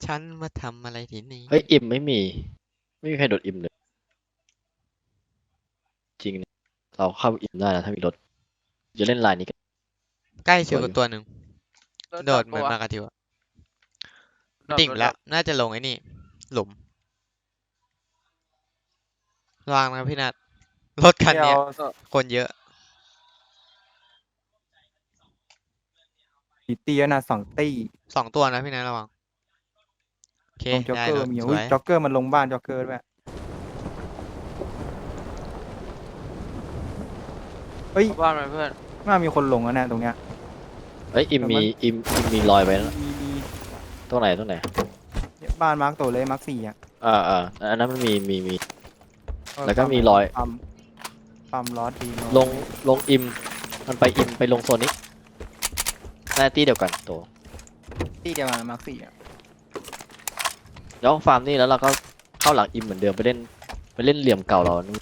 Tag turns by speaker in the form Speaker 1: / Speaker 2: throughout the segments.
Speaker 1: ฉันมาทำอะไรที่นี่
Speaker 2: เฮ้ยอิ่มไม่มีใครโดดอิ่มเลยจริงนะเราเข้าอิ่มได้นะถ้ามีรถจะเล่นลายนี้กัน
Speaker 1: ใกล้ชิว
Speaker 2: สวยอยู่
Speaker 1: กับตัวหนึ่ง
Speaker 3: รถ
Speaker 1: โดดเหมือน
Speaker 3: ดรอปปะวะ
Speaker 1: มากระทิวอะ
Speaker 3: ดรอป
Speaker 1: ดิ่งไปแล้ว
Speaker 3: รถดรอป
Speaker 1: น่าจะลงไอ้นี่หลุมระวังนะพี่นัทรถคัน
Speaker 3: ไม่เอา
Speaker 1: เนี้ย
Speaker 3: ก็
Speaker 1: คนเยอะ
Speaker 4: กี่ตีแล้วนะ2 ตี
Speaker 1: 2 ตัวนะพี่นัทระวังโอเค
Speaker 4: ตรงจ็อก
Speaker 1: ได้รถ
Speaker 4: เกอร์มี
Speaker 1: สวย
Speaker 4: อุ้ยจ็อกเกอร์มันลงบ้านจ็อกเกอร์ด้วยเฮ้ย
Speaker 3: เอาบ้านมาเพื่อน
Speaker 4: น่ามีคนลงแล้วนะตรงเนี้ย
Speaker 2: เฮ้ยอิ่ม
Speaker 4: แต่มัน
Speaker 2: มีอิ่มมีรอยไว้นะ
Speaker 4: มี
Speaker 2: ตรงไหน
Speaker 4: เนี่ยบ้านมาร์กโตเลยมาร์ก4อ่ะ
Speaker 2: อันนั้นมันมี
Speaker 4: เออ
Speaker 2: แล้วก็มีรอย
Speaker 4: ปั๊มล้อดีโน
Speaker 2: ลงอิ่มมันไปไปลงโซนนี้หน้าที่เดียวกันตัว
Speaker 4: ตีเดียวกันมาร์ก4อ่ะ
Speaker 2: แล้วฟาร์มนี่แล้วเราก็เข้าหลังอิ่มเหมือนเดิมไปเล่นเหลี่ยมเก่าเรานู่น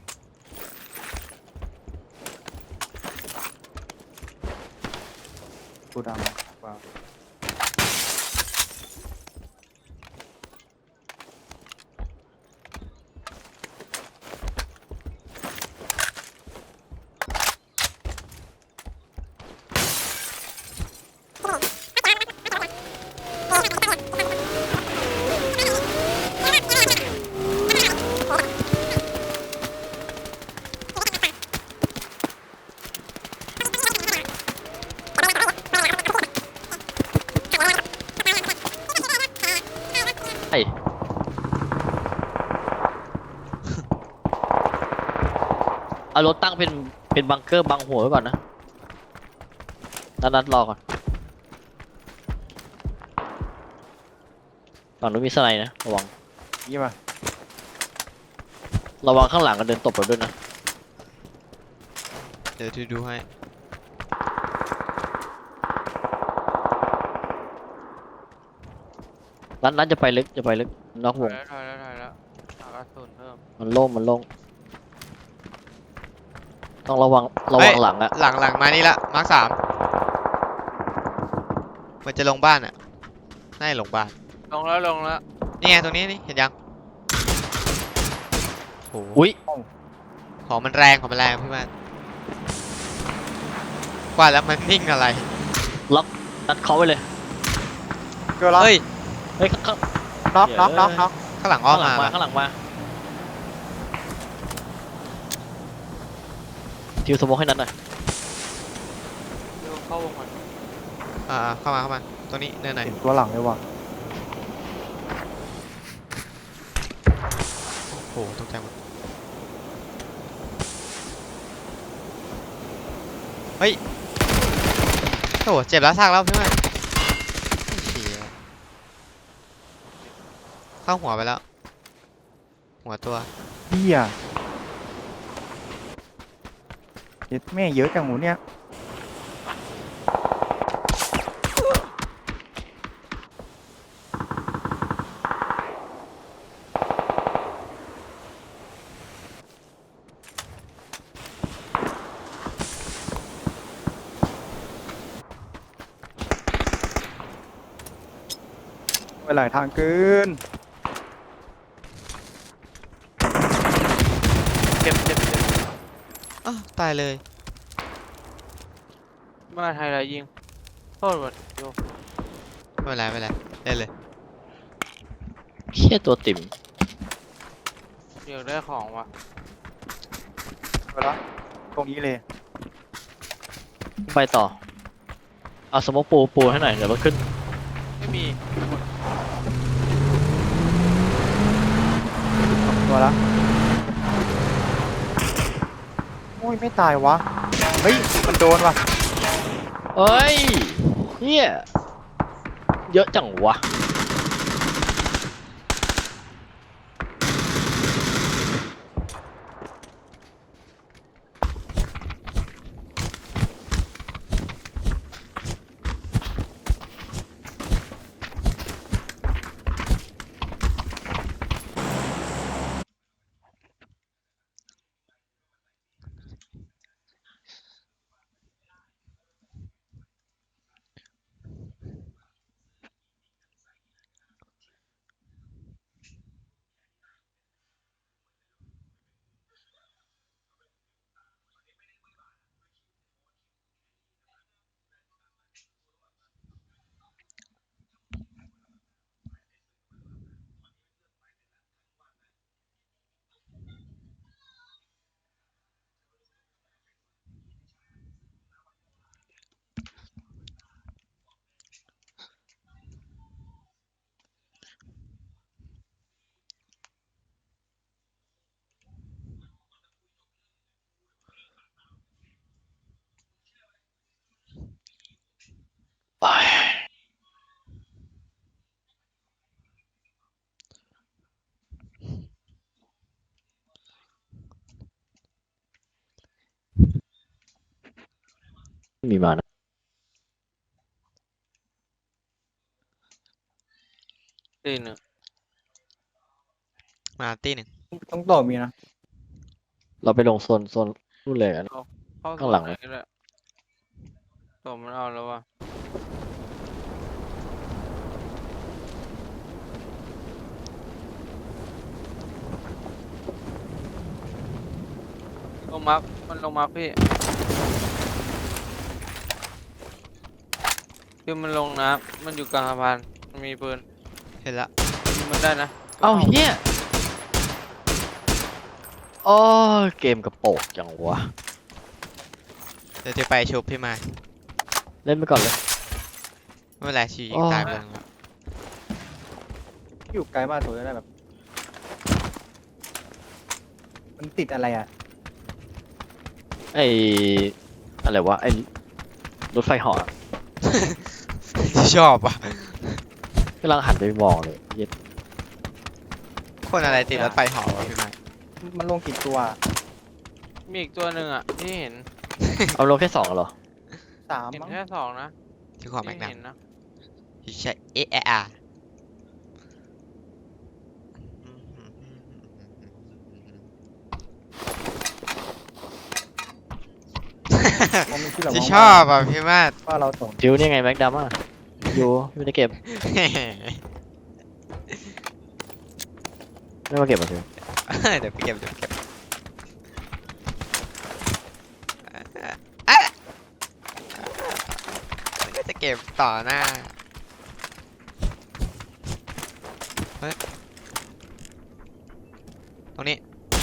Speaker 4: กูดำว้าว
Speaker 2: ไอ้เอารถตั้งเป็นบังเกอร์บังหัวไว้ก่อนนะนัดรอก่อนฝั่งนู้นมีสไนด์นะ
Speaker 4: ยี่ป่ะ
Speaker 2: ระวังข้างหลังกันเดินตบเราด้วยนะ
Speaker 1: เดี๋ยวดูให้
Speaker 2: นัดจะไปลึกนอกวง
Speaker 3: ถอยแล้วหากระสุนเพิ่ม
Speaker 2: มันโล่งต้องระวังหลังอะ
Speaker 1: หลังมานี่ละมาร์ค3มันจะลงบ้านอ่ะน่าจะลงบ้าน
Speaker 3: ลงแล้ว
Speaker 1: นี่ไงตรงนี้นี่เห็นยังโห
Speaker 2: อุ้ย
Speaker 1: ของมันแรงพี่มันกว่าแล้วมันนิ่งอะไร
Speaker 2: ล็อกนัดเคาะไว้เลย
Speaker 4: เกิดแล้ว
Speaker 1: เฮ้ย
Speaker 2: เฮ้ยข้าง
Speaker 4: น็อก
Speaker 1: ข้างหลังอ้อมมา
Speaker 2: ข้างหลังมาทิวสโมกให้นัดหน่อย
Speaker 3: ดูเข้าวงก่อน
Speaker 1: เข้ามาตรงนี้เนินไหน
Speaker 4: เห็นตัวหลังเลยว่ะ
Speaker 1: โอ้โหตกใจหมดเฮ้ยโอ้โหเจ็บแล้วซากแล้วพี่มันเชี่ยเข้าหัวไปแล้วหัวตัว
Speaker 4: เฮียเย็ดแม่เยอะจังหมูเนี่ยไปหลายทางเกิน
Speaker 3: เจ็บ
Speaker 1: อ้าวตายเลย
Speaker 3: มาไทยไรยิงโทษหมดโย
Speaker 1: ไม่เป็นไรเล่นเลย
Speaker 2: เชี่ยตัวติ่ม
Speaker 3: อยากได้ของว่ะ
Speaker 4: ไปแล้วตรงนี้เลย
Speaker 2: ไปต่อเอาสโมกปูให้หน่อยเดี๋ยวรถขึ้น
Speaker 3: ไม่มี
Speaker 4: ตัวละโอ้ยไม่ตายวะเฮ้ยมันโดนว่ะ
Speaker 2: เอ้ยเฮียเยอะจังวะมีมานะ
Speaker 3: ตีหนึ่ง
Speaker 1: มาตีหนึ่ง
Speaker 4: ต้องต่อมีนะ
Speaker 2: เราไปลงโซนนู่นเลยอะ
Speaker 3: เข้า
Speaker 2: ข้างหลัง
Speaker 3: ไหนก็ได้ตัวมันเอาแล้วว่ะลงมาร์คมันลงมาร์คพี่คือมันลงน้ำมันอยู่กลางสะพานมันมีปืน
Speaker 1: เห็นละ
Speaker 3: ยิงมันได้นะ
Speaker 2: เอ้าเฮียโอ้ยเกมกระโปกจังวะ
Speaker 1: เดี๋ยวจะไปชุบพี่มา
Speaker 2: เล่นไปก่อนเลย
Speaker 1: ไม่เป็นไรชียิ
Speaker 2: อ๋
Speaker 1: ง
Speaker 2: อ
Speaker 1: ตายไปแล้ว
Speaker 4: อยู่ไกลมากตัวได้แบบ มันติดอะไรอ่ะ
Speaker 2: ไออะไรวะไอรถไฟเหาะ
Speaker 1: ชอบอ่ะ
Speaker 2: กำลังหันไปมองเลยเย็ด
Speaker 1: คนอะไรติดรถไฟเหอวะพี่มา
Speaker 4: มันลงกี่ตัว
Speaker 3: มีอีกตัวหนึ่งอ่ะที่เห็น
Speaker 2: เอาลงแค่สองเหรอ
Speaker 4: 3
Speaker 3: เห็น
Speaker 4: มั้ง
Speaker 3: แค่สองนะ
Speaker 1: ที่ขอแม็ก
Speaker 3: ที่
Speaker 1: นัม
Speaker 3: เห็นนะ
Speaker 1: ใช่เอะอะ
Speaker 4: เพราะมันคิดแบบ
Speaker 1: ที่ชอบอ่ะพี่มา
Speaker 4: ว่าเราส่ง
Speaker 2: จิวนี่ไงแม็กดัมอ่ะอยู่ไม่ได้เก็บไม่มาเก็บมาจิว
Speaker 1: เดี๋ยวไปเก็บเดี๋ยวไปเก็บมันก็จะเก็บต่อหน้าเฮ้ยตรงนี้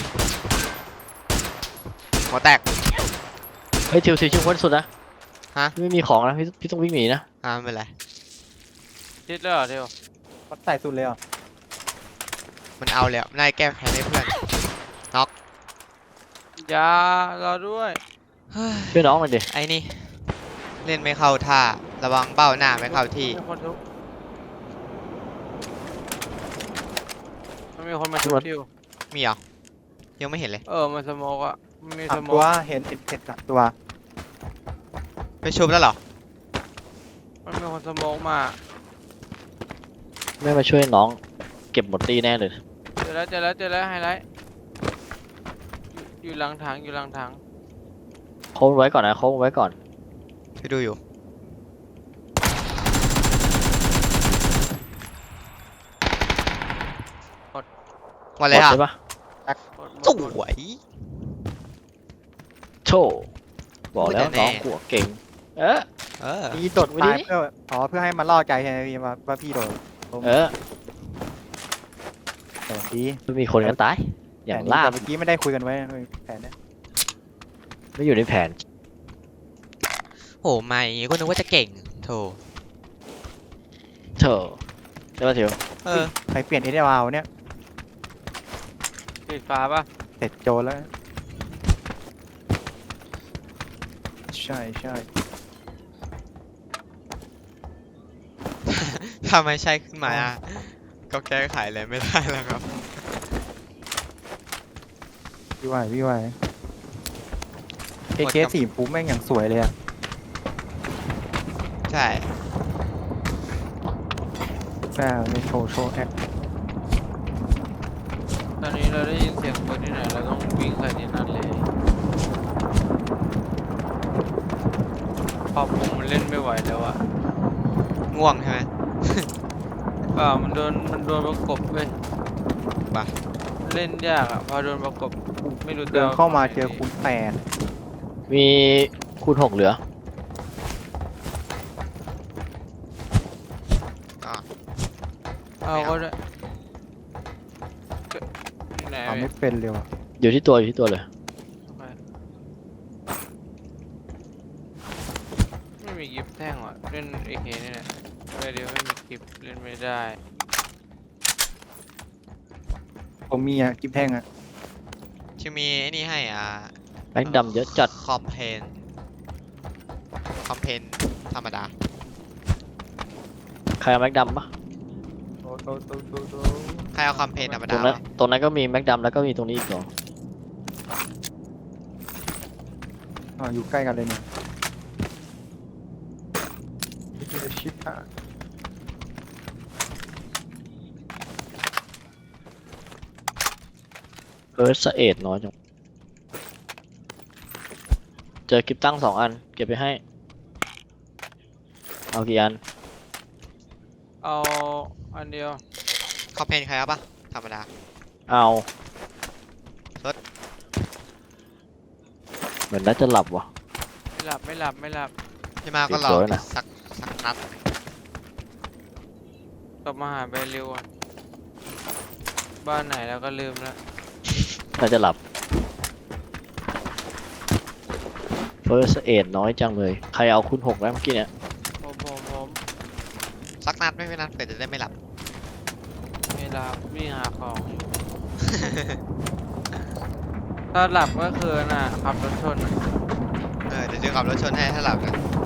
Speaker 1: หัวแตก
Speaker 2: เฮ้ยจิวคนสุดนะ
Speaker 1: ฮะ
Speaker 2: ไม่มีของนะพี่ต้องวิ่งหนีนะ
Speaker 1: ไม่เป็นไร
Speaker 3: ชิดเลยเหรอเดียว
Speaker 4: วัดใส่สุดเลยเหรอ่ะ
Speaker 1: มันเอาแล้วนายแก้แค้นให้เพื่อน
Speaker 3: อยารอด้วย
Speaker 1: เฮ้ย
Speaker 2: ช่วยน้องหน่อยดิ
Speaker 1: ไอ้นี่ เล่นไม่เข้าท่า ระวังเบ้าหน้าไม่เข้าที่
Speaker 3: มีคนทุบมันมีคนมาทุบทิว
Speaker 1: มีเหรอ ยังไม่เห็นเลย
Speaker 3: มันสโมกอ่ะมันมีส
Speaker 4: 3
Speaker 3: โม
Speaker 4: ตัว
Speaker 3: ก
Speaker 4: เห็น3 ตัว
Speaker 1: ไปชุบแล้วเหรอ
Speaker 3: มันมีคนสโมกมา
Speaker 2: ไม่มาช่วยน้องเก็บหมดตีแน่เลย
Speaker 3: เจอแล้วไฮไลท์อยู่หลังถังอยู่หลังถัง
Speaker 2: โค้งไว้ก่อนนะโค้งไว้ก่อน
Speaker 1: ไปดูอยู่ วันเลย
Speaker 2: หมด
Speaker 1: อ่ะ
Speaker 2: ใช่ปะ
Speaker 1: สวย
Speaker 2: โชว์บอกแล้ว
Speaker 1: พูดแต่แน่
Speaker 2: น้องหัวเก่ง เออ
Speaker 1: เออ
Speaker 4: พี่โดดตายเพื่อให้มันล่อใจใช่ไหมพี่ว่าพี่โดด
Speaker 2: เออ
Speaker 4: แต่ดี
Speaker 2: ไม่มีคนกันตายอย่าง
Speaker 4: แต่ดี
Speaker 2: ล่า
Speaker 4: แต่เมื่อกี้ไม่ได้คุยกันไว้แผนเนี้ย
Speaker 2: ไม่อยู่ในแผน
Speaker 1: โหไม่ก็นึกว่าจะเก่งโถ
Speaker 2: เธอใช่ปะจิว
Speaker 1: เออ
Speaker 4: ใครเปลี่ยนเอเดวาวเนี่ย
Speaker 3: สีฟ้าป่ะ
Speaker 4: เสร็จโจรแล้ว ใช่
Speaker 1: ถ้าไม่ใช่ขึ้นมาอ่ะก็แก้ไขอะไรไม่ได้แล้วครับ
Speaker 4: พี่ไหวเคสีฟูแม่งอย่างสวยเลยอ่ะ
Speaker 1: ใช่
Speaker 4: แม่ในโชว์แอค
Speaker 3: ตอนนี้เราได้ยินเสียงปืนที่ไหนเราต้องวิ่งใส่ที่นั่นเลยพอผมมันเล่นไม่ไหวแล้วอ่ะ
Speaker 1: ง่วงใช่ไหม
Speaker 3: มันโดนประกบเว้ย
Speaker 1: ป่ะ
Speaker 3: เล่นยากอ่ะพอโดนประกบไม่รู้จะ
Speaker 4: เดินเข้ามาเจอคูณ8
Speaker 2: มีคูณ6เหลือ
Speaker 3: เอาก็ได้ที่ไหน
Speaker 4: ทำไม่เป็นเลยว่ะ
Speaker 2: อยู่ที่ตัวเลย
Speaker 3: ไม่มีกิฟต์แท่งว่ะเล่นเอเคนี่แหละเดี๋ยวไม่มีกิฟต์เล่นไม่ได้
Speaker 4: ผมมีอ่ะกิฟแท่งอ่ะ
Speaker 1: จะมีไอ้นี่ให้
Speaker 2: แม็กดำเยอะจัด
Speaker 1: คอมเพนธรรมดา
Speaker 2: ใครเอาแม็กดำปะ
Speaker 1: ใครเอาคอมเพนธรรม
Speaker 2: ตร
Speaker 1: ดาง
Speaker 2: นั้น
Speaker 1: วะ
Speaker 2: ตรงนั้นก็มีแม็กดำแล้วก็มีตรงนี้อีกสอง
Speaker 4: อยู่ใกล้กันเลยเนี่ยชิบหาย
Speaker 2: สะเอ็ดน้อยจังเจอกิฟตั้ง2 อันเก็บไปให้เอากี่อัน
Speaker 3: เอาอันเดียว
Speaker 1: คอมเพนใครเอาปะธรรมดา
Speaker 2: เอา
Speaker 1: รถ
Speaker 2: เหมือนน่าจะหลับว่ะ
Speaker 3: ไม่หลับไม่หลับไม่หลับ
Speaker 1: พี่มาก็รอ
Speaker 2: สวยนะ
Speaker 1: สักนัด
Speaker 3: กลับมาหาแบริวอ่ะบ้านไหนแล้วก็ลืมแล้ว
Speaker 2: น่าจะหลับสะเอ็ดน้อยจังเลยใครเอาคุณ6แล้วเมื่อกี้เนี่ย
Speaker 3: ผม
Speaker 1: สักนัดไม่นัดเผื่อจะได้ไม่หลับ
Speaker 3: ไม่หลับวิ่งหาของอยู่ ถ้าหลับก็คือน่ะขับรถชนน่ะ
Speaker 1: เดี๋ยวจะขับรถชนให้ถ้าหลับนะ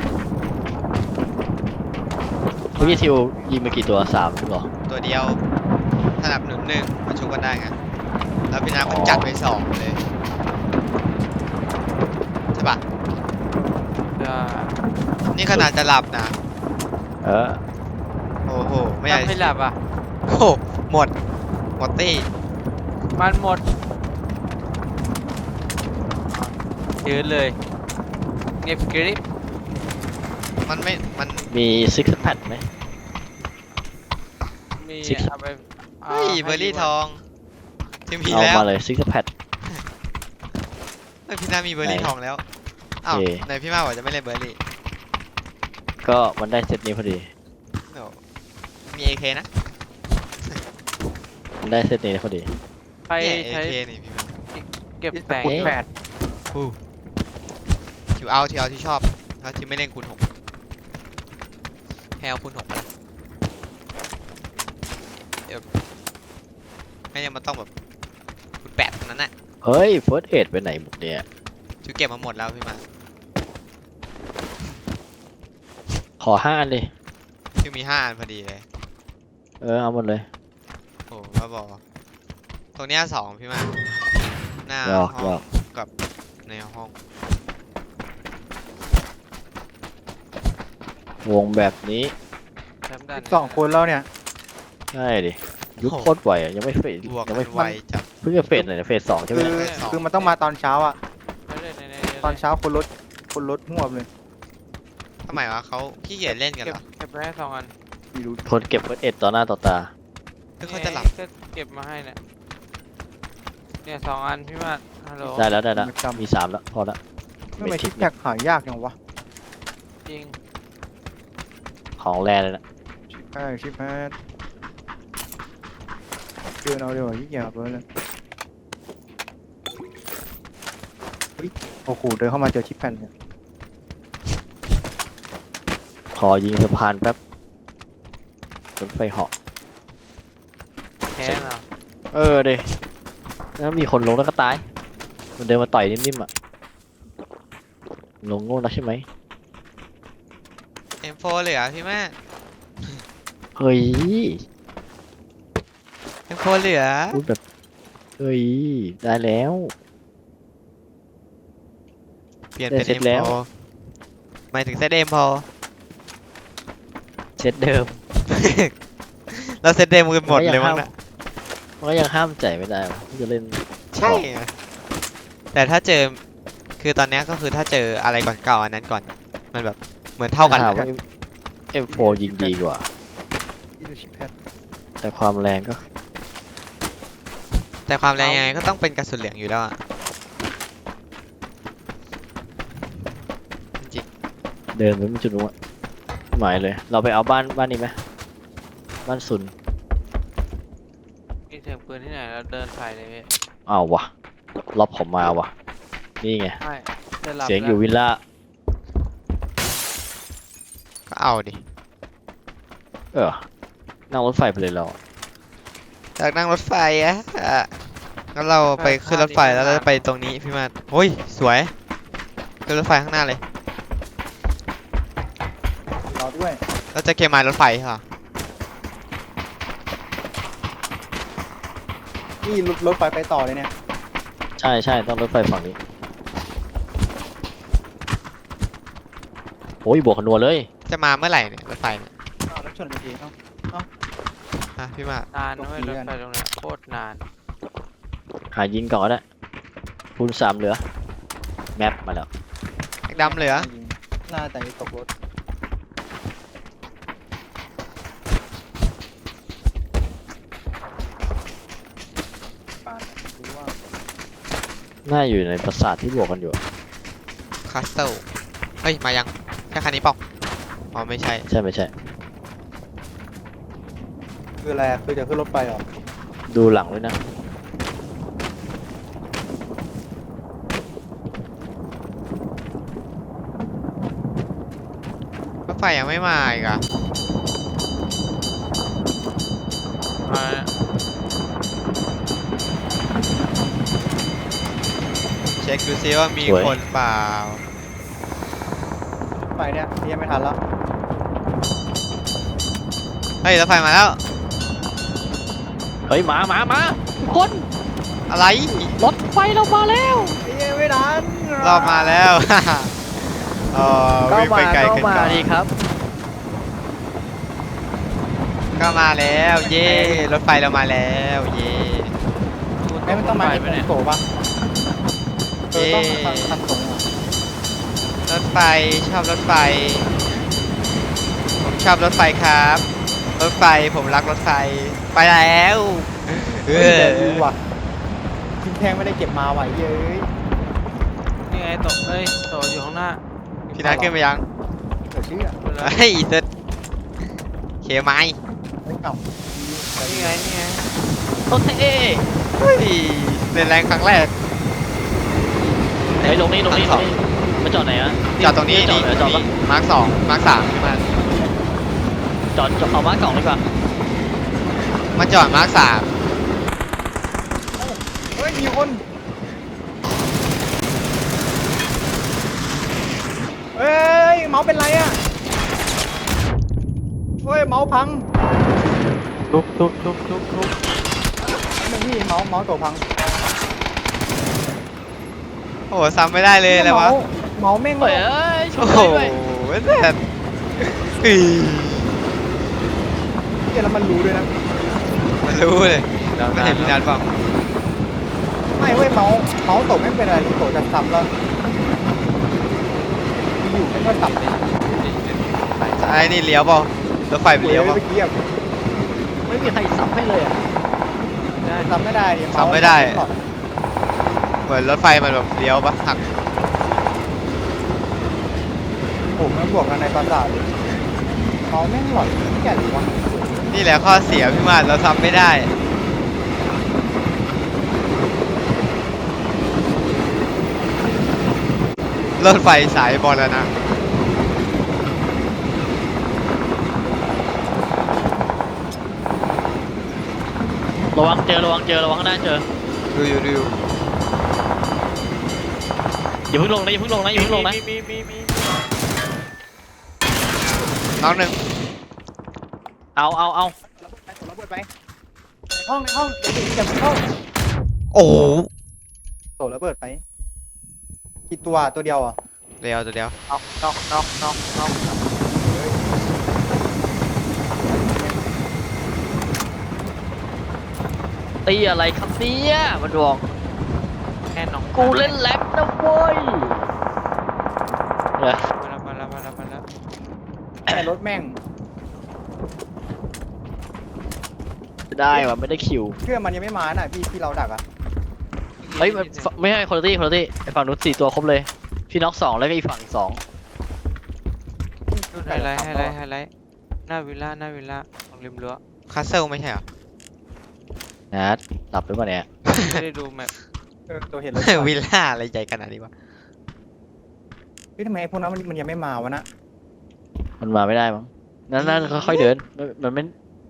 Speaker 2: เมื่อกี้ทิวยิงไปกี่ตัว3หรอ
Speaker 1: ตัวเดียวถ้าหลับ1มาชุบกันได้ไงแล้วพี่นา
Speaker 2: อ๋
Speaker 1: ก็
Speaker 2: อ
Speaker 1: จัดไป2เลยใช่ปะ
Speaker 3: จะ
Speaker 1: นี่ขนาดจะหลับนะ
Speaker 2: เออ
Speaker 1: โอ้โหไม่อยาก
Speaker 3: ถ้าไม่หลับอ่ะ
Speaker 1: โอ้โหหมดตี้
Speaker 3: มันหมดยืนเลยเงียบกริบ
Speaker 1: มัน
Speaker 2: มีซิกแพดไหม
Speaker 3: มี
Speaker 2: Six
Speaker 3: เอาไปา
Speaker 1: เฮ้ย
Speaker 3: ให้
Speaker 1: เบอร์รี่
Speaker 3: ดีก
Speaker 1: ท
Speaker 3: ว่า
Speaker 1: องที่มี
Speaker 2: เอา
Speaker 1: แล้ว
Speaker 2: มาเลยซิกแพด
Speaker 1: เฮ้ยพี่นามีเบอร์รี่
Speaker 2: ไหน
Speaker 1: ทองแล้วอ้าว
Speaker 2: โอเค
Speaker 1: ไหนพี่มาบอกจะไม่เล่นเบอร์รี่
Speaker 2: ก็มันได้เซตนี้พอดี
Speaker 1: โอ้มี AK นะ
Speaker 2: มันได้เซตนี้พอดี
Speaker 3: ใคร
Speaker 1: เนี่ย
Speaker 3: ใช้
Speaker 1: AK นี่พี่มา
Speaker 3: เก็บแต่ง
Speaker 4: คูณ
Speaker 2: เอ๊ะ
Speaker 4: แปด
Speaker 1: ถือเอาที่ชอบถ้าที่ไม่เล่นคูณ6ให้เอาคูณ6มาละเดี๋ยวไม่งั้นมันต้องแบบคูณ8เท่านั้นน่ะ
Speaker 2: เฮ้ยเฟิร์สเอ็ดไปไหนหมดเนี่ย
Speaker 1: จูเก็บมาหมดแล้วพี่มา
Speaker 2: ขอ5 อันดิ
Speaker 1: จูมี5 อันพอดีเลย
Speaker 2: เอาหมดเลย
Speaker 1: โอ้บ้าบอตรงเนี้ย2พี่มาหน้า
Speaker 2: หยอก
Speaker 1: ห้
Speaker 2: หย
Speaker 1: อ
Speaker 2: อง ก
Speaker 1: กับในห้อง
Speaker 2: วงแบบนี้
Speaker 3: แชมป์ดัน
Speaker 4: 2 คนแล้วเนี่ย
Speaker 2: ใช่ดิยุคโคตรไวอ่ะยังไม่เฟส
Speaker 1: บวก
Speaker 2: ยัง
Speaker 1: กั
Speaker 2: ไม่
Speaker 1: นไวจัด
Speaker 2: เพิ่งจะเฟสเลยนะเฟส2ใช่ไหม
Speaker 4: คือ
Speaker 1: ไม่สอง
Speaker 4: คือมันต้องมาตอนเช้าอ่ะ
Speaker 3: ไม่ได้ใน
Speaker 4: ตอนเช้าคนรถหัวบเลย
Speaker 1: ทำไมวะเขาขี้เกียจเล่นกัน
Speaker 3: เก็
Speaker 1: เห
Speaker 3: บ
Speaker 1: รอ
Speaker 3: เก็บไปให้2 อัน
Speaker 4: ไม่รู้
Speaker 2: คนเก็บเฟิร์สเอ็ดต่อหน้าต่อตา
Speaker 1: คือเขาจะหลับ
Speaker 3: ก็เก็บมาให้เนี่ย2 อันพี่มาดฮัลโหล
Speaker 2: ได้แล้วมี3แล้วพอละ
Speaker 4: ทำไมชิปแพ็กหายากจังวะ
Speaker 3: จริง
Speaker 2: ของแรเลยนะ
Speaker 4: ใช่ชิปแพ็กเดินเอาเดี๋ยวยิ่งหยาบเลยเฮ้ยโอ้โหเดินเข้ามาเจอชิปแพ็กเนี่ย
Speaker 2: ขอยิงสะพานแป๊บรถไฟเหาะ
Speaker 3: แพ้เหรอ
Speaker 2: เดยแล้วมีคนลงแล้วก็ตาย มันเดินมาต่อยนิ่มๆอ่ะ ลงโง่แล้วใช่ไหม
Speaker 1: M4 เหลือพี่แม่
Speaker 2: เฮ้ย
Speaker 1: M4 เหลือ
Speaker 2: พูดแบบ เฮ้ย ได้แล้ว
Speaker 1: เปลี่ยนเป็น
Speaker 2: ได้เสร็จแล้ว
Speaker 1: M4 หมายถึงเซต M4
Speaker 2: เซตเดิม
Speaker 1: เราเซตเดิมกันหมดเลยมั้งนะ
Speaker 2: มันก็ยังห้ามใจไม่ได้วะที่จะเล่น
Speaker 1: ใช่ไงแต่ถ้าเจอคือตอนเนี้ยก็คือถ้าเจออะไรก่อนเก่าอันนั้นก่อนมันแบบเหมือนเท่ากัน
Speaker 2: ถาม
Speaker 1: อะ
Speaker 2: ว่า M4 ยิงดีกว่า
Speaker 4: นี่คือชิปแพ็ก
Speaker 2: แต่ความแรงก็
Speaker 1: แต่ความแรงยังไงก็ต้องเป็นกระสุนเหลืองอยู่แล้วอะจริง
Speaker 2: เดินไปไม่จุดนู้นอะหมายเลย เราไปเอาบ้านนี้ไหมบ้านซุน
Speaker 3: มีเสียงปืนที่ไหนแล้วเดินใส่เลยพี่
Speaker 2: เอาวะล็อบผมมาว่ะ นี่ไง
Speaker 3: ไม่จะหลับ
Speaker 2: เสียงอยู่วิลล่า
Speaker 1: ๆก็เอาดิ
Speaker 2: นั่งรถไฟไปเลยเรา
Speaker 1: จากนั่งรถไฟอะงั้นเราไปขึ้นรถไฟแล้วเราจะไปตรงนี้พี่มาโอ้ยสวยขึ้นรถไฟข้างหน้าเลย
Speaker 4: รอด้วย
Speaker 1: เราจะเกมมารถไฟค่ะ
Speaker 4: นี่รถไฟไปต่อเลยเนี่ย
Speaker 2: ใช่ต้องรถไฟฝั่งนี้ โอ้ยบวกขนวนเลย
Speaker 1: จะมาเมื่อไหร่เนี่ยรถไฟเนี่ย
Speaker 4: อ้าวแล้วชนกันเองเอ้า
Speaker 1: อ่ะพี่มาร์คน
Speaker 3: านนะเว้ยรถไฟตรงเนี้ยโคตรนาน
Speaker 2: หายิงก่อนก็ได้คูณ3เหลือแมปมาแล้ว
Speaker 1: แม็กดำเหลือ
Speaker 4: หน้าแต่ตกรถปานรู้ว่า
Speaker 2: น่าอยู่ในปราสาทที่บวกกันอยู่
Speaker 1: คาสเซิลเฮ้ยมายังใช่คันนี้เปล่าอ๋อไม่ใช่
Speaker 2: ใช่ไม่ใช่
Speaker 4: คืออะไรอะคือจะขึ้นรถไฟเหรอ
Speaker 2: ดูหลังด้วยนะ
Speaker 1: รถไฟยังไม่มาอีกอะ
Speaker 3: มา
Speaker 1: เช็คดูซิว่ามีคนเปล่าร
Speaker 4: ถไฟเนี่ยเรียกไม่ทันแล้ว
Speaker 1: เฮ้ยรถไฟมาแล้ว
Speaker 2: เฮ้ยมาทุกคน
Speaker 1: อะไร
Speaker 2: รถไฟเรามาแล้ว
Speaker 4: เรียกไม่ทัน
Speaker 1: รอบมาแล้ว เออวิ่งไปไกลขึ้น
Speaker 2: มา
Speaker 1: ก่อน
Speaker 2: ดีครับ
Speaker 1: ก็มาแล้วเย่รถไฟเรามาแล้วเย่
Speaker 4: ไอ้มันต้องมา
Speaker 3: ไป
Speaker 4: ไอ้
Speaker 3: ไหมเนี่ย
Speaker 4: โตปะต้องคันโตอะ
Speaker 1: รถไฟชอบรถไฟ ผมชอบรถไฟครับ รถไฟผมรักรถไฟไปแล้วเอ
Speaker 4: เฮ้ย
Speaker 1: อ
Speaker 4: แต่ดูว่ะทิ้งแทงไม่ได้เก็บมาไหวเย้ย
Speaker 3: นี่ไงโตเอ้ยโตอยู่ข้างหน้า
Speaker 1: พี่นัทขึ้นไปยัง
Speaker 4: เดี๋ยวชื่ออะ
Speaker 3: ขึ้นแล้ว
Speaker 1: เฮ้ยเซ็ตเคไม้
Speaker 4: ไม่เก่า
Speaker 3: นี่ไงนี่ไง
Speaker 2: รถเท่
Speaker 1: เฮ้ยเล่นแรงครั้งแรก
Speaker 2: เฮ้ยลงนี่มาจอดไหนอะ
Speaker 1: จอดตรงนี้
Speaker 2: จอ
Speaker 1: นี่
Speaker 2: ดเหรอจอดปะ
Speaker 1: มาร์คสองมาร์คสามพี่มัน
Speaker 2: จอดเอามาร์ค2ดีกว่า
Speaker 1: มาจอดมาร์คสาม
Speaker 4: เฮ้ยมีคนเฮ้ยเมาส์เป็นไรอะเฮ้ยเมาส์พัง
Speaker 2: ลุก
Speaker 4: ไม่พี่เมาส์ตัวพัง
Speaker 1: โอ้โหซ้ำไม่ได้เลยอะไรวะ
Speaker 4: เมาส์แม่ง
Speaker 2: เฮ้ยเอ้ยช่
Speaker 1: โอ้
Speaker 2: วย
Speaker 1: โห
Speaker 2: ด้วย
Speaker 1: เซ็ตอี
Speaker 4: เหี้ยแล้วมันรู้ด้วยนะ
Speaker 1: มันรู้เลยไม่เห็นพี่นัทเปล่า
Speaker 4: ไม่เว้ยเมาส์ตกไม่เป็นไรตกจะซ้ำแล้วอยู่ไม่ก็ตับเลย
Speaker 1: ไอ้นี่เลี้ยวเปล่ารถไฟมันเลี้ยวเปล่า
Speaker 4: เมื่อกี้อะ
Speaker 2: ไม่มีใครสับให้เลยอะ
Speaker 4: ซ้ำไม่ได้ดิเาส์
Speaker 1: ซ้ำไม่ได้ เหมือนรถไฟมันแบบเลี้ยวปะหัก
Speaker 4: ผมมันบวกกันในปราสาทเลยเมาส์แม่งหลอนแก่หรือวะ
Speaker 1: นี่แหละข้อเสียพี่มาเราซ้ำไม่ได้ รถไฟสายบอลนะ
Speaker 2: ระวังเจอระวังข้างหน้าเจอ
Speaker 1: ดูอยู่
Speaker 2: อย่าเพิ่งลงนะอย่าเพิ่งลงนะ
Speaker 3: มี
Speaker 1: น้องหนึ่ง
Speaker 2: เอา
Speaker 4: ระเบิดไปในห้องเดี๋ยวอย่าเพิ่งเข้า
Speaker 1: โอ้โห
Speaker 4: โตระเบิดไปกี่ตัวเดียวอ่ะ
Speaker 1: เดียวตัวเดียว
Speaker 3: น็อก
Speaker 2: ตีอะไรครับเนี่ยมันบอก
Speaker 3: แค่น็อก
Speaker 2: กูเล่นแล็บนะเว้ยเนี่ย
Speaker 3: มาแล้ว
Speaker 4: แต่รถแม่ง
Speaker 2: ได้ว่ะไม่ได้คิว
Speaker 4: เครื่องมันยังไม่มาน่ะพี่เราดักอ่ะ
Speaker 2: เฮ้ยไม่ใช่คนละที่ไอ้ฝั่งนู้น4 ตัวครบเลยพี่น็อก2แล้วก็อีกฝั่งอีก2
Speaker 3: ไฮไลท์หน้าวิลล่าของริมรั้ว
Speaker 1: คาสเซิลไม่ใช่เหรอ
Speaker 2: นะหลับหรือเปล่าเนี่ย
Speaker 3: ไม่ได้ดูแมพ
Speaker 4: ตัวเห็นรถ
Speaker 1: วิลล่าอะไรใหญ่ขนาดนี้วะ
Speaker 4: พี่ทำไมพวกนั้นมันยังไม่มาวะนะ
Speaker 2: มันมาไม่ได้มั้งนั่นค่อยๆเดินมันไม่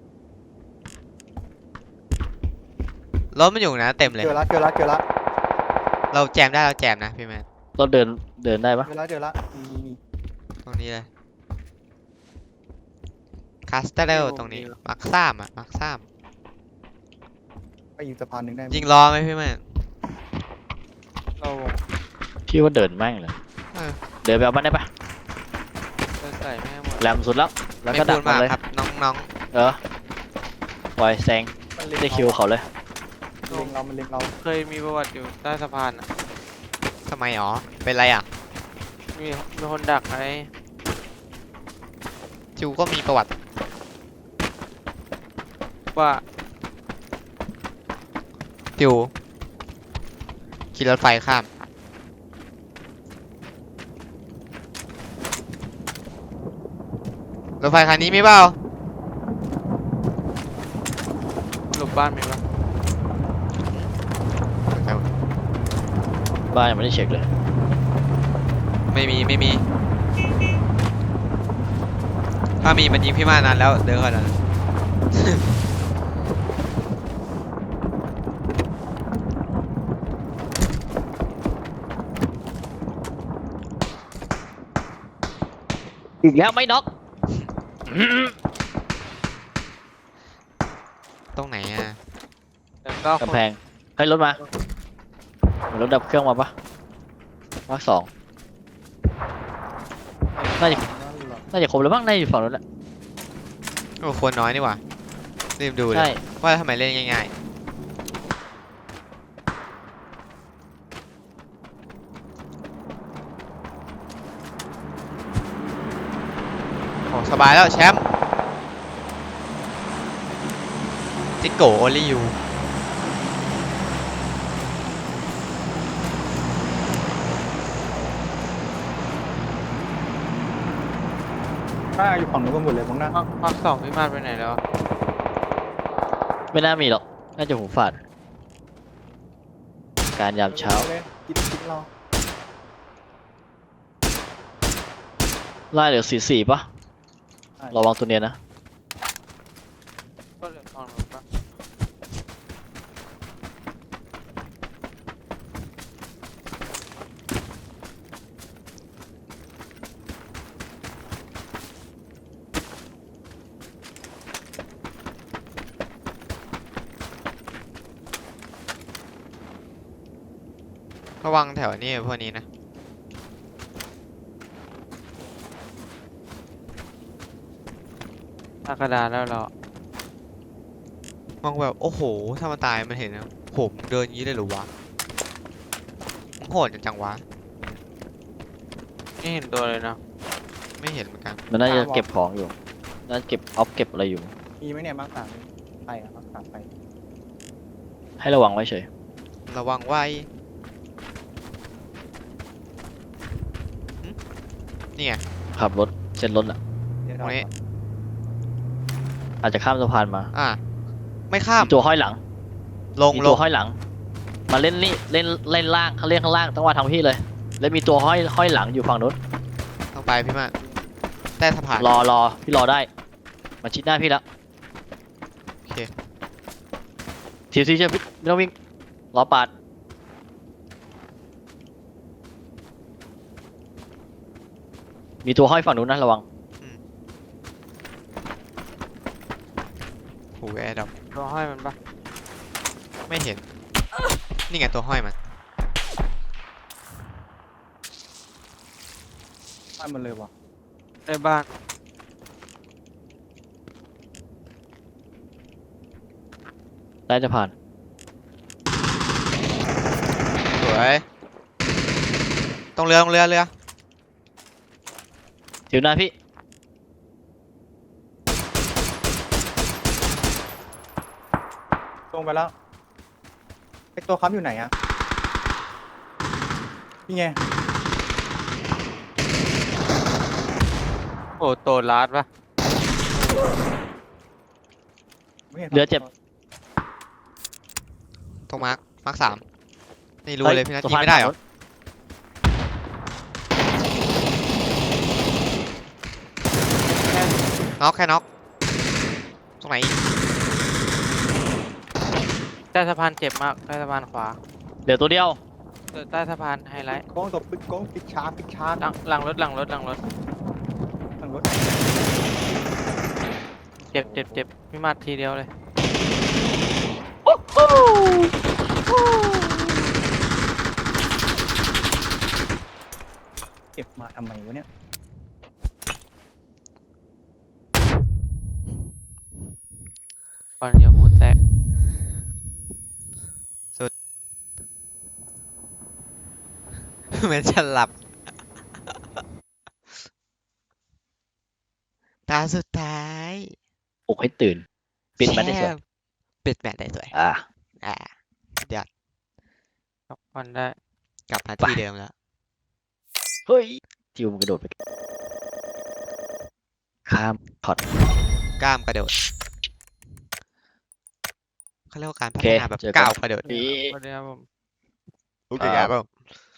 Speaker 1: รถมันอยู่นะเต็มเลย
Speaker 4: เจอละ
Speaker 1: เราแจมได้เราแจมนะพี่แมน
Speaker 2: เราเดินได้ปะ
Speaker 4: เจอละมี
Speaker 1: ตรงนี้เลยคาสเตลตรงนี้มาร์คซ้ำอ่ะมาร์คซ้
Speaker 4: ไปอยู่สะพานหนึ่งได้ไหม
Speaker 1: ำยิงล้อไหมพี่แมน
Speaker 3: เรา
Speaker 2: พี่ว่าเดินแม่งเลย
Speaker 1: เออ
Speaker 2: เดินไปเอาบ้านได้ปะ
Speaker 3: ใส่แม่หมด
Speaker 2: แหลมสุดแล้วแล้ว
Speaker 1: ไม่
Speaker 2: ก็ดั
Speaker 1: พู
Speaker 2: ก
Speaker 1: ด
Speaker 2: มัน
Speaker 1: มาก
Speaker 2: เลย
Speaker 1: ครับน้อง
Speaker 2: เออปล่อยแซง
Speaker 4: มันเล็ง
Speaker 2: ได้คิวเขาเลย
Speaker 4: มันเล็งเรา
Speaker 3: เคยมีประวัติอยู่ใต้สะพานอ่ะ
Speaker 1: ๆทำไมอ๋อเป็นไรอ่ะ
Speaker 3: มีคนดักไอ้
Speaker 1: จิวก็มีประวัติ
Speaker 3: ว่า
Speaker 1: จิวขี่รถไฟข้ามรถไฟคันนี้มีเปล่า
Speaker 3: หลบบ้านมีปะ
Speaker 2: บ้านยังไม่ได้เช็คเลย
Speaker 1: ไม่มีถ้ามีมันยิงพี่มานานแล้วเดินก่อนนะ
Speaker 2: อีกแล้วไม่น็อก
Speaker 1: ตรงไหนอ่ะ
Speaker 3: แต่ก็
Speaker 2: กำแพงให้ยรถมาเหมือนรถดับเครื่องมาปะมาร์คสองน่าจะ
Speaker 4: นั่นเหรอ
Speaker 2: น่าจะครบแล้วบ้างน่าจะอยู่ฝั่งนู้นแหละ
Speaker 1: โอ้คนน้อยนี่หว่ารีบดูเล
Speaker 2: ใช่
Speaker 1: ยว่าทำไมเล่นง่ายๆโอ้สบายแล้วแชมป์จิโกโอลิยู
Speaker 4: น่าอยู่ฝั่งนู้นกันหมดเลยมั้งนะ
Speaker 3: ภาคสองพี่มาดไปไหนแล้ว
Speaker 2: ไม่น่ามีหรอกน่าจะหูฝาดการยามเช้า
Speaker 4: เลยคิดเรา
Speaker 2: ไล่เหลือ44ปะระวังตัวเนี้ยนะ
Speaker 3: ก็เหลือฝั่งนู้นปะ
Speaker 1: ระวังแถวนี้พวกนี้นะ
Speaker 3: หน้ากระดานแล้วเรา
Speaker 1: มองแบบโอ้โหถ้ามันตายมันเห็นนะผมเดินอย่างนี้เลยเหรือวะมันโหดจังวะ
Speaker 3: ไม่เห็นตัวเลยนะ
Speaker 1: ไม่เห็นเหมือนกัน
Speaker 2: มันน่าจะเก็บของอยู่น่าจะเก็บออฟเก็บอะไรอยู่
Speaker 4: มีไหมเนี่ยมาร์คสามไปอะมาร์คสามไป
Speaker 2: ให้ระวังไว้เฉย
Speaker 1: ระวังไว้หึนี่ไง
Speaker 2: ขับรถเช็ดรถอ่ะ
Speaker 4: เดี๋ยวเรา
Speaker 1: ตรงนี้
Speaker 2: อาจจะข้ามสะพานมา
Speaker 1: ไม่ข้าม
Speaker 2: มีตัวห้อยหลัง
Speaker 1: ลง
Speaker 2: มี
Speaker 1: ล
Speaker 2: ตัว
Speaker 1: ง
Speaker 2: ห้อยหลัง มาเล่นนี่เล่นเล่นล่างเขาเล่นข้างล่างต้องมาทางพี่เลย แล้วมีตัวห้อยหลังอยู่ฝั่งนู้น
Speaker 1: ลงไปพี่มาใต้สะพาน
Speaker 2: รอพี่รอได้มาชิดหน้าพี่แล้ว
Speaker 1: โอเค
Speaker 2: ทีซีเชื่อพี่ไม่ต้องวิ่งรอปาดมีตัวห้อยฝั่งนู้นนะระวัง
Speaker 1: โหแอร์ดับ
Speaker 3: ตัวห้อยมันปะ
Speaker 1: ไม่เห็น นี่ไงตัวห้อยมัน
Speaker 4: ไปหมดเลยว่ะ
Speaker 3: ในบ้าน
Speaker 2: ใต้สะพาน
Speaker 1: สวยตรงเรือเรือ
Speaker 2: ถิวหน้าพี่
Speaker 4: ลงไปแล้วไอตัวค้ำอยู่ไหนอะนี่ไง
Speaker 3: โอ้โตลาดปะ
Speaker 4: ไม่ห็น
Speaker 2: เรือเจ็บ
Speaker 1: ตรงมาร์คสามนี่รู้
Speaker 2: ฮ้
Speaker 1: เลยพี่นัท
Speaker 2: สะ
Speaker 1: ยิง
Speaker 2: พาน
Speaker 1: ไม่ได้เหรอ น็อกแค่น็อกตรงไหนอีก
Speaker 3: ใต้สะพานเจ็บมากใต้สะพานขวา
Speaker 2: เหลือตัวเดียว
Speaker 3: ใต้สะพานไฮไลท์
Speaker 4: กล้องตบปิดกล้องปิดชาร์จ
Speaker 3: หลังรถ
Speaker 4: ทางรถ
Speaker 3: เจ็บพี่มาดทีเดียวเลย
Speaker 4: เก็บมาทำไมวะเนี่ย
Speaker 3: ก่อนอย่าหัวแตก
Speaker 1: เหมือนจะหลับตาสุดท้าย
Speaker 2: ปลุกให้ตื่น ปิดมันได้สวย
Speaker 1: แช่ปิดแมตช์ได้สวย
Speaker 2: อ่า
Speaker 1: อ่าเดี๋ยว
Speaker 3: พักผ่อนได้
Speaker 1: กลับมา
Speaker 2: ไป
Speaker 1: ที่เดิมแล้ว
Speaker 2: เฮ้ยจิวมันกระโดดไปข้ามพอด
Speaker 1: กล้ามกระโดดเขาเรียกว่าการ
Speaker 2: โอ
Speaker 1: พั
Speaker 2: เค
Speaker 1: ฒนาแบบ
Speaker 2: เจอกัน
Speaker 1: ก้าวกระโดด
Speaker 2: นี่
Speaker 3: สวัสดีครับผม
Speaker 1: โอเคครับผม